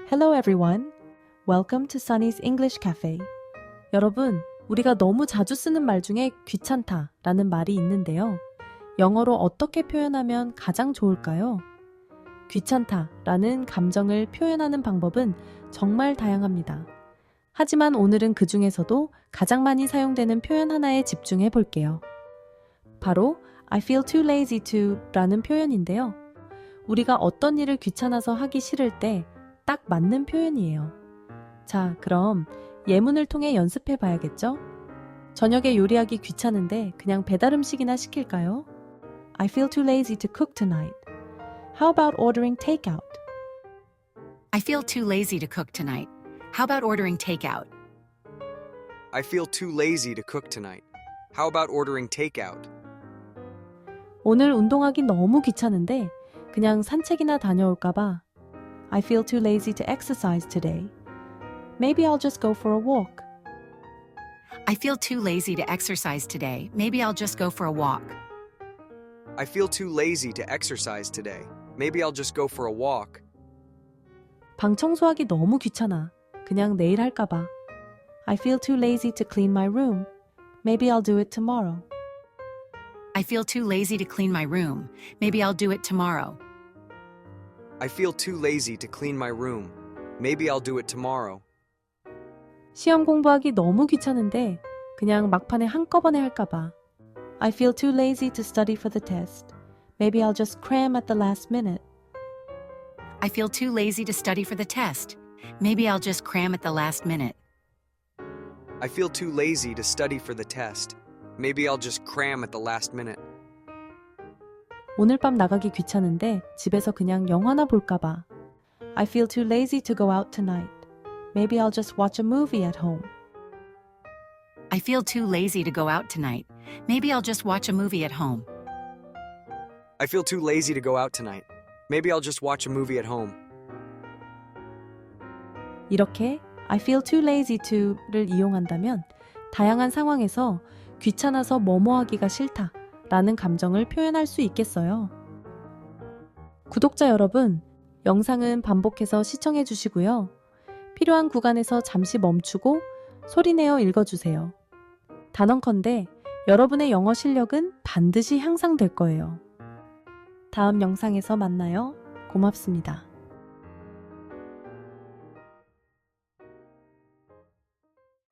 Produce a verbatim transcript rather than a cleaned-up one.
Hello everyone. Welcome to Sunny's English Cafe. 여러분, 우리가 너무 자주 쓰는 말 중에 귀찮다 라는 말이 있는데요. 영어로 어떻게 표현하면 가장 좋을까요? 귀찮다 라는 감정을 표현하는 방법은 정말 다양합니다. 하지만 오늘은 그 중에서도 가장 많이 사용되는 표현 하나에 집중해 볼게요. 바로 I feel too lazy to 라는 표현인데요. 우리가 어떤 일을 귀찮아서 하기 싫을 때 딱 맞는 표현이에요. 자, 그럼 예문을 통해 연습해 봐야겠죠? 저녁에 요리하기 귀찮은데 그냥 배달 음식이나 시킬까요? I feel too lazy to cook tonight. How about ordering takeout? I feel too lazy to cook tonight. How about ordering takeout? I feel too lazy to cook tonight. How about ordering takeout? 오늘 운동하기 너무 귀찮은데 그냥 산책이나 다녀올까 봐. I feel too lazy to exercise today. Maybe I'll just go for a walk. I feel too lazy to exercise today. Maybe I'll just go for a walk. I feel too lazy to exercise today. Maybe I'll just go for a walk. 방 청소하기 너무 귀찮아. 그냥 내일 할까 봐. I feel too lazy to clean my room. Maybe I'll do it tomorrow. I feel too lazy to clean my room. Maybe I'll do it tomorrow. I feel too lazy to clean my room. Maybe I'll do it tomorrow. 시험 공부하기 너무 귀찮은데 그냥 막판에 한꺼번에 할까 봐. I feel too lazy to study for the test. Maybe I'll just cram at the last minute. I feel too lazy to study for the test. Maybe I'll just cram at the last minute. I feel too lazy to study for the test. Maybe I'll just cram at the last minute. 오늘 밤 나가기 귀찮은데 집에서 그냥 영화나 볼까 봐. I feel too lazy to go out tonight. Maybe I'll just watch a movie at home. I feel too lazy to go out tonight. Maybe I'll just watch a movie at home. I feel too lazy to go out tonight. Maybe I'll just watch a movie at home. 이렇게 I feel too lazy to를 이용한다면 다양한 상황에서 귀찮아서 뭐뭐 하기가 싫다 라는 감정을 표현할 수 있겠어요. 구독자 여러분, 영상은 반복해서 시청해 주시고요. 필요한 구간에서 잠시 멈추고 소리내어 읽어주세요. 단언컨대 여러분의 영어 실력은 반드시 향상될 거예요. 다음 영상에서 만나요. 고맙습니다.